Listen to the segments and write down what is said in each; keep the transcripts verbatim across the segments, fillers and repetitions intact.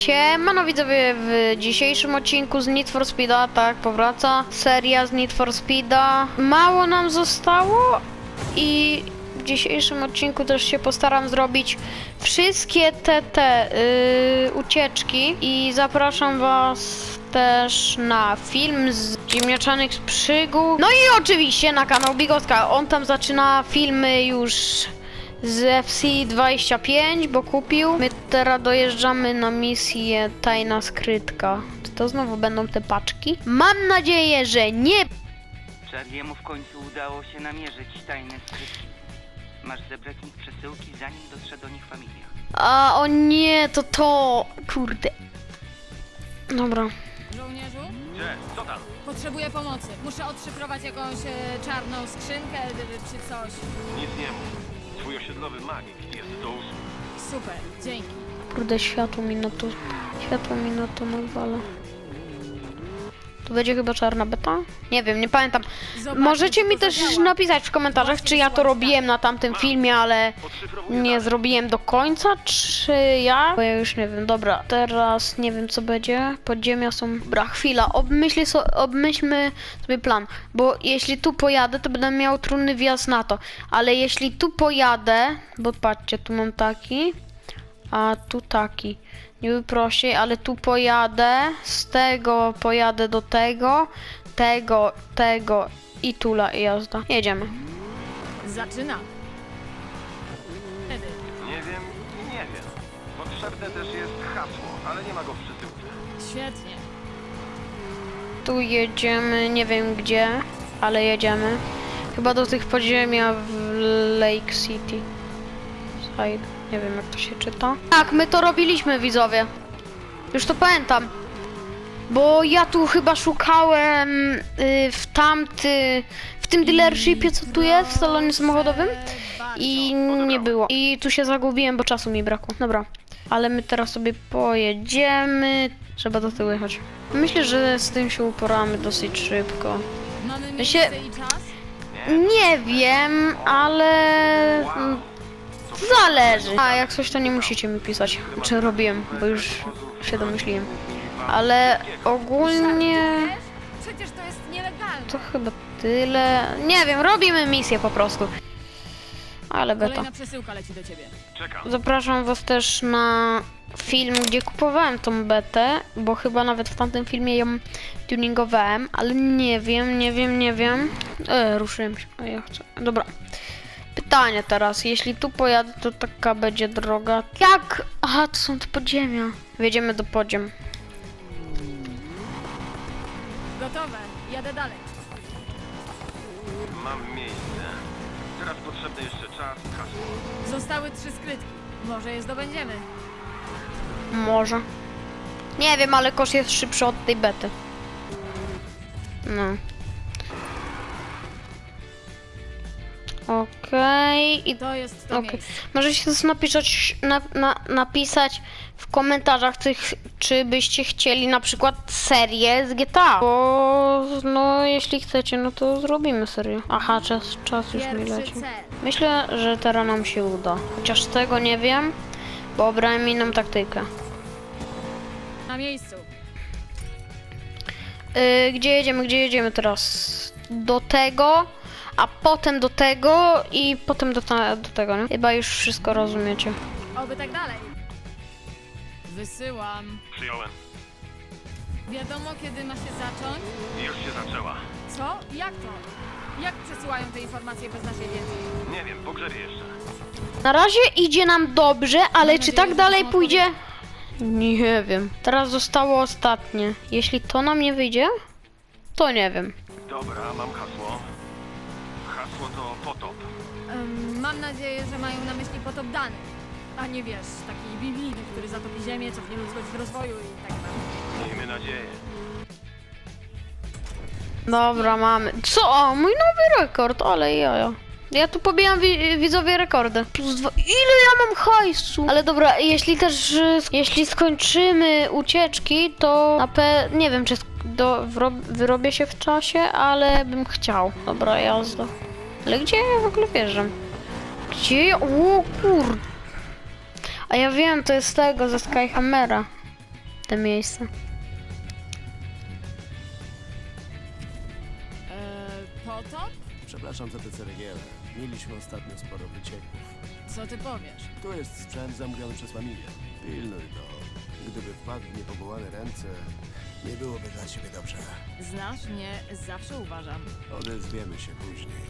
Siemano widzowie, w dzisiejszym odcinku z Need for Speeda, tak, powraca seria z Need for Speeda. Mało nam zostało i w dzisiejszym odcinku też się postaram zrobić wszystkie te, te yy, ucieczki i zapraszam was też na film z ziemniaczanych przygód. No i oczywiście na kanał Bigotka, on tam zaczyna filmy już z F C dwadzieścia pięć, bo kupił. My teraz dojeżdżamy na misję Tajna Skrytka. Czy to znowu będą te paczki? Mam nadzieję, że nie. Charliemu w końcu udało się namierzyć tajne skrytki. Masz zebrać ich przesyłki, zanim dotrze do nich familia. A o nie, to to. Kurde. Dobra. Żołnierzu? Gdzie? Co tam? Potrzebuję pomocy. Muszę odszyfrować jakąś e, czarną skrzynkę e, czy coś. Nic nie mów. Twój osiedlowy magik jest do usług. Super, dzięki. Kurde, światło mi na to. Światło mi na to nawala. To będzie chyba czarna beta? Nie wiem, nie pamiętam. Zobaczmy, Możecie czy mi to też zadziała. napisać w komentarzach, czy ja to robiłem na tamtym filmie, ale Odszyfrowuję nie dane. zrobiłem do końca, czy ja? Bo ja już nie wiem. Dobra, teraz nie wiem co będzie. Podziemia są... Dobra, chwila, obmyślę so... obmyślmy sobie plan. Bo jeśli tu pojadę, to będę miał trudny wjazd na to. Ale jeśli tu pojadę, bo patrzcie, tu mam taki, a tu taki. Niby prościej, ale tu pojadę, z tego pojadę do tego, tego, tego i tula i jazda. Jedziemy. Zaczynam. Wtedy. Nie wiem i nie wiem. Potrzebne też jest hasło, ale nie ma go w przesyłce. Świetnie. Tu jedziemy, nie wiem gdzie, ale jedziemy. Chyba do tych podziemia w Lake City. Side. Nie wiem jak to się czyta. Tak, my to robiliśmy, widzowie. Już to pamiętam. Bo ja tu chyba szukałem y, w tamty... w tym dealershipie, co tu jest, w salonie samochodowym. I nie było. I tu się zagubiłem, bo czasu mi brakło. Dobra. Ale my teraz sobie pojedziemy. Trzeba do tyłu jechać. Myślę, że z tym się uporamy dosyć szybko. Mamy Ja miejsce się- i czas? Nie wiem, ale... mm, Zależy. A jak coś, to nie musicie mi pisać, czy robiłem, bo już się domyśliłem. Ale ogólnie Wiesz? Przecież to jest nielegalne. to chyba tyle. Nie wiem, robimy misję po prostu. Ale beta. Kolejna przesyłka leci do ciebie. Czekam. Zapraszam was też na film, gdzie kupowałem tą betę, bo chyba nawet w tamtym filmie ją tuningowałem, ale nie wiem, nie wiem, nie wiem. E, ruszyłem się, a ja chcę. Dobra. Pytanie teraz, jeśli tu pojadę, to taka będzie droga. Jak? Aha, to są te podziemia. Wjedziemy do podziem. Gotowe. Jadę dalej. Mam miejsce. Teraz potrzebny jeszcze czas, hasło. Zostały trzy skrytki. Może je zdobędziemy. Może. Nie wiem, ale kosz jest szybszy od tej bety. No. Okej. I To jest to Okej. miejsce. Możecie też napisać, na, na, napisać w komentarzach, tych, czy byście chcieli na przykład serię z G T A. Bo no jeśli chcecie, no to zrobimy serię. Aha, czas, czas już mi Pierwszy leci. cel. Myślę, że teraz nam się uda. Chociaż tego nie wiem, bo obrałem inną taktykę. Na miejscu. Yy, gdzie jedziemy, gdzie jedziemy teraz? Do tego, a potem do tego i potem do, ta, do tego, nie? Chyba już wszystko rozumiecie. Oby tak dalej. Wysyłam. Przyjąłem. Wiadomo, kiedy ma się zacząć? Już się zaczęła. Co? Jak to? Jak przesyłają te informacje bez naszej wiedzy? Nie wiem, pogrzebie jeszcze. Na razie idzie nam dobrze, ale Mam czy nadzieję, tak że to dalej są pójdzie? Nie wiem. Teraz zostało ostatnie. Jeśli to nam nie wyjdzie, to nie wiem. Dobra, mam hasło. Hasło to potop. Em, mam nadzieję, że mają na myśli potop danych, a nie wiesz, taki biblijny, który zatopi ziemię, cofnie ludzkość w rozwoju i tak dalej. Miejmy nadzieję. Dobra, mamy. Co? O, mój nowy rekord, ale jaja. Ja tu pobijam wi widzowie rekordy. Plus dwa. Ile ja mam hajsu? Ale dobra, jeśli też, y, jeśli skończymy ucieczki, to na pe... nie wiem, czy sk- do, wro- wyrobię się w czasie, ale bym chciał. Dobra, jazda. Ale gdzie ja w ogóle wjeżdżam? Gdzie ja? O kur... A ja wiem, to jest tego, ze Skyhammera. te miejsce. Eee, potop? Przepraszam za te ceregiele. Mieliśmy ostatnio sporo wycieków. Co ty powiesz? Tu jest sprzęt zamówiony przez familię. Pilnuj go. Gdyby wpadł w niepowołane ręce, nie byłoby dla ciebie dobrze. Znasz mnie, zawsze uważam. Odezwiemy się później.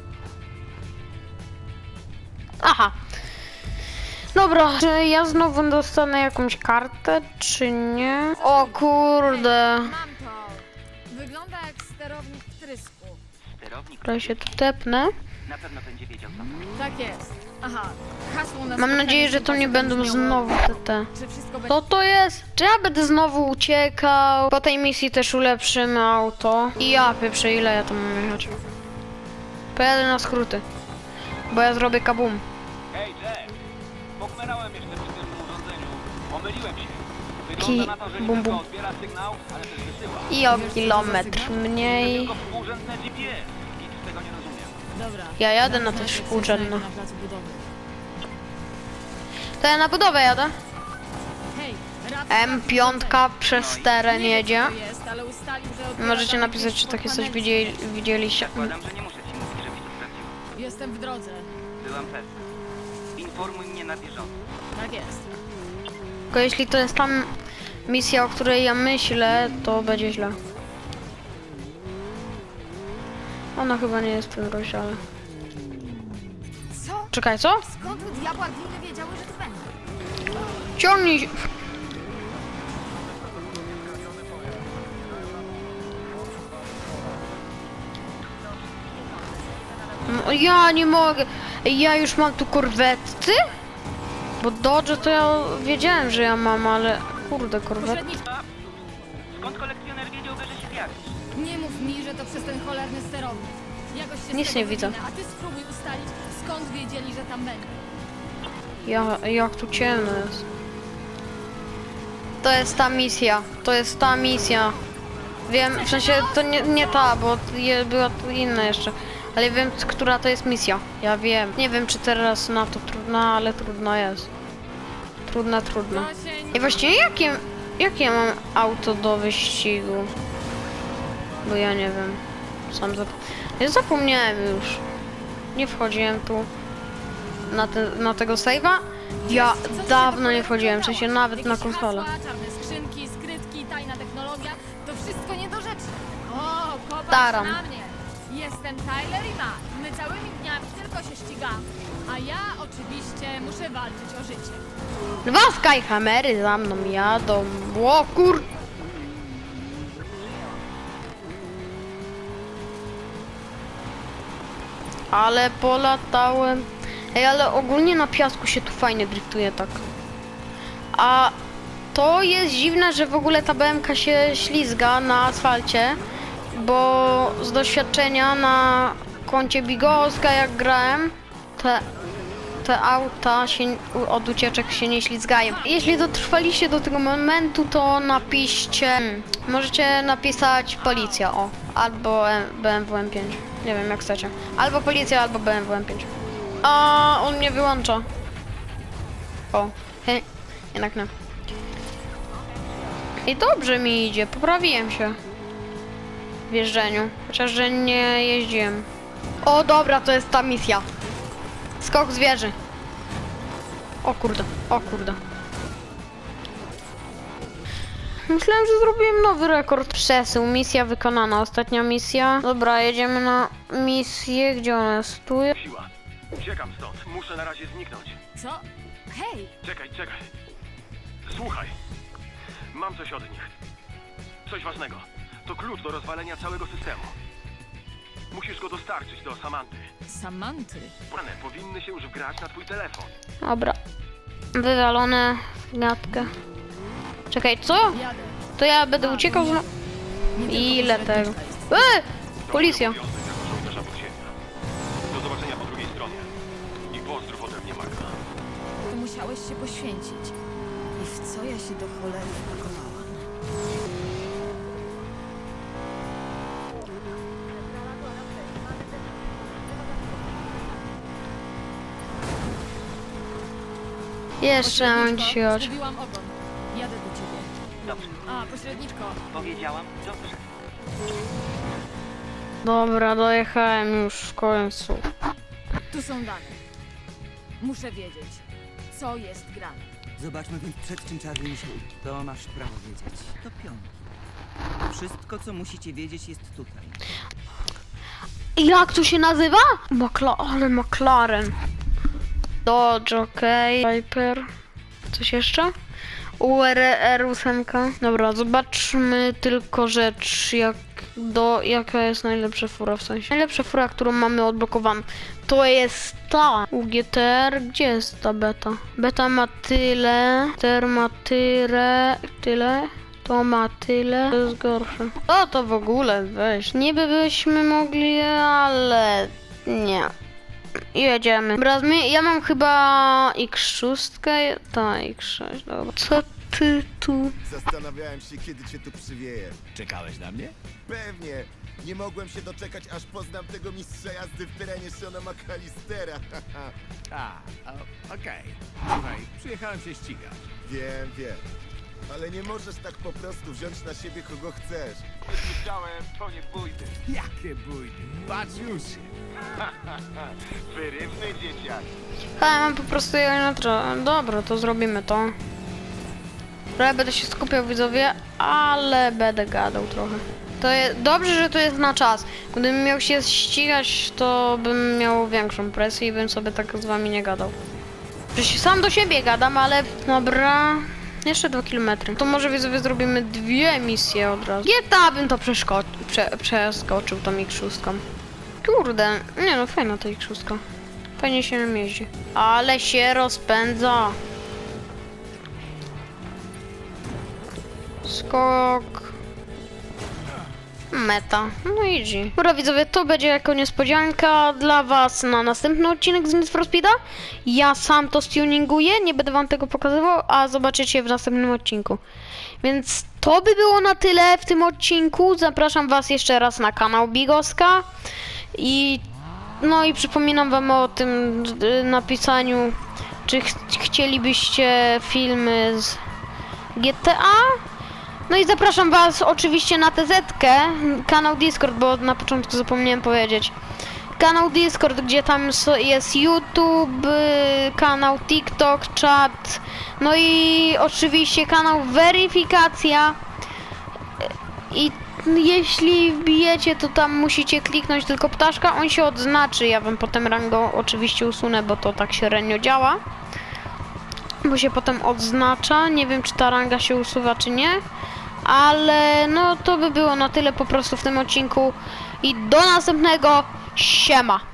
Aha. Dobra, czy ja znowu dostanę jakąś kartę, czy nie? O kurde. Mam to! Wygląda jak sterownik wtrysku. Sterownik Dobra, się tu tepnę. na pewno będzie wiedział, co to. Tak jest. Aha, hasło na Mam spotkaniu nadzieję, że to nie sympatii będą brzmiało, znowu te te. Czy wszystko będzie... Co to jest? Czy ja będę znowu uciekał? Po tej misji też ulepszymy auto. I ja pieprzę, ile ja tam mam jechać? Pojadę na skróty. Bo ja zrobię kabum. Hej, Jack! Pokmerałem jeszcze przy tym urządzeniu. Pomyliłem się. Ki- Wygląda na to, że nie bum, tylko bum. odbiera sygnał, ale też wysyła. I o kilometr mniej. Tylko współrzędne G P S. Nic z tego nie rozumiem. Dobra. Ja jadę na te Najpierw współrzędne. znajdę na placu budowy. To ja na budowę jadę. Hej, rad- M pięć przez teren Nie wiem, jedzie. co to jest, ale ustalił, że odbiera Możecie dane napisać, czy pod takie coś panelem. widzieli, widzieliście. Zakładam, że nie muszę ci mówić, żebyś to sprawdziła. Jestem w drodze. Byłam pewna. Informuj mnie na bieżąco. Tak jest. Tylko jeśli to jest tam misja, o której ja myślę, to będzie źle. Ona chyba nie jest w tym rozdziale. Co? Czekaj, co? Skąd u diabła gliny wiedziały, że tu będzie? Ciągnij się. No, ja nie mogę. Ja już mam tu korwety? Bo Dodge to ja wiedziałem, że ja mam, ale kurde, korwety. Pośrednicz... Skąd kolekcjoner wiedziałby, że się zjawisz? Nie mów mi, że to przez ten cholerny sterownik. Jakoś się z Nic tego nie widzę. wywinę, a ty spróbuj ustalić, skąd wiedzieli, że tam będzie. Ja, jak tu ciemno jest. To jest ta misja. To jest ta misja. Wiem, w sensie to nie, nie ta, bo je, była tu inna jeszcze. Ale wiem, c- która to jest misja. Ja wiem. Nie wiem, czy teraz na to trudna, ale trudna jest. Trudna, trudna. To się I właściwie jakie, jakie mam auto do wyścigu? Bo ja nie wiem. Sam zap... Ja zapomniałem już. Nie wchodziłem tu na, te, na tego save'a. Ja dawno nie wchodziłem, w sensie nawet na Jakieś konsolę. hasła, czarne skrzynki, skrytki, tajna technologia, to wszystko nie do rzeczy. O, popatrz Taram. na mnie. Jestem Tyler i Matt. My całymi dniami tylko się ścigamy. A ja oczywiście muszę walczyć o życie. Dwa Skyhammery za mną jadą. O kur... Ale polatałem. Ej, ale ogólnie na piasku się tu fajnie driftuje tak. A to jest dziwne, że w ogóle ta B M K się ślizga na asfalcie, bo z doświadczenia na koncie Bigowska jak grałem, te, te auta się, od ucieczek się nie ślizgają. Jeśli dotrwaliście do tego momentu, to napiszcie, hmm, możecie napisać policja, o, albo B M W M pięć, nie wiem jak chcecie, albo policja, albo B M W M pięć. A on mnie wyłącza. O, he, jednak nie. I dobrze mi idzie, poprawiłem się w jeżdżeniu, chociaż że nie jeździłem. O dobra, to jest ta misja. Skok z wieży. O kurde, o kurde. Myślałem, że zrobiłem nowy rekord. Przesył, misja wykonana, ostatnia misja. Dobra, jedziemy na misję, gdzie ona jest? Tu jest. Siła. Uciekam stąd. Muszę na razie zniknąć. Co? Hej, Czekaj, czekaj. Słuchaj. Mam coś od nich. Coś ważnego. To klucz do rozwalenia całego systemu. Musisz go dostarczyć do Samanty. Samanty. One powinny się już wgrać na twój telefon. Dobra. Wywalone w gadkę. Czekaj, co? Jadę. To ja będę uciekał z... Nie tylko Ile tego? pośredniczka jest. Eee! Policja. To mój obowiązek jako żołnierza podziemia. Do zobaczenia po drugiej stronie. I pozdrów ode mnie, Magda. To musiałeś się poświęcić. I w co ja się do cholery wpakowałam? Jeszcze mam Pośredniczko, dzisiaj oczy. zgubiłam ogon. Jadę do ciebie. Dobrze. A, pośredniczko. Powiedziałam dobrze. Dobra, dojechałem już w końcu. Tu są dane. Muszę wiedzieć, co jest grane. Zobaczmy więc, przed czym Charlie musiał. To masz prawo wiedzieć. To pionki. Wszystko, co musicie wiedzieć, jest tutaj. Jak to się nazywa? Makla ale McLaren. Dodge, okej. Okay. Viper. Coś jeszcze? U R R osiem. Dobra, zobaczmy tylko rzecz, jak do, jaka jest najlepsza fura, w sensie. Najlepsza fura, którą mamy odblokowaną, to jest ta U G T R. Gdzie jest ta beta? Beta ma tyle, ter ma tyle, tyle. To ma tyle, to jest gorsze. O, to w ogóle, weź. Niby byśmy mogli, ale nie. Jedziemy. Dobra, zmi- ja mam chyba X sześć, ta X sześć, dobra. Co ty tu? Zastanawiałem się, kiedy cię tu przywieję. Czekałeś na mnie? Pewnie. Nie mogłem się doczekać, aż poznam tego mistrza jazdy w terenie Shona McAllistera. A, o- okej. Słuchaj, przyjechałem się ścigać. Wiem, wiem. Ale nie możesz tak po prostu wziąć na siebie kogo chcesz. Słyszałem, to nie pójdę. Jakie bójdy, patrz już! Wyrywny dzieciak. Ha, mam po prostu je na tro- Dobra, to zrobimy to. Trochę będę się skupiał, widzowie, ale będę gadał trochę. To jest dobrze, że to jest na czas. Gdybym miał się ścigać, to bym miał większą presję i bym sobie tak z wami nie gadał. Przecież sam do siebie gadam, ale dobra. Jeszcze dwa kilometry. To może widzowie zrobimy dwie misje od razu. G T A bym to przeszko- prze- przeskoczył tą X sześć. Kurde, nie no, fajna ta X sześć. Fajnie się nim jeździ. Ale się rozpędza. Skok. Meta. No easy. Dobra widzowie, to będzie jako niespodzianka dla was na następny odcinek z Need for Speeda. Ja sam to stuninguję, nie będę wam tego pokazywał, a zobaczycie w następnym odcinku. Więc to by było na tyle w tym odcinku. Zapraszam was jeszcze raz na kanał Bigoska. I no i przypominam wam o tym y, napisaniu, czy ch chcielibyście filmy z G T A. No i zapraszam was oczywiście na T Z-kę, kanał Discord, bo na początku zapomniałem powiedzieć. Kanał Discord, gdzie tam so- jest YouTube, y, kanał TikTok, czat, no i oczywiście kanał Weryfikacja. I jeśli wbijecie, to tam musicie kliknąć tylko ptaszka, on się odznaczy, ja wam potem rango oczywiście usunę, bo to tak średnio działa. Bo się potem odznacza, nie wiem czy ta ranga się usuwa czy nie. Ale no to by było na tyle po prostu w tym odcinku i do następnego, siema!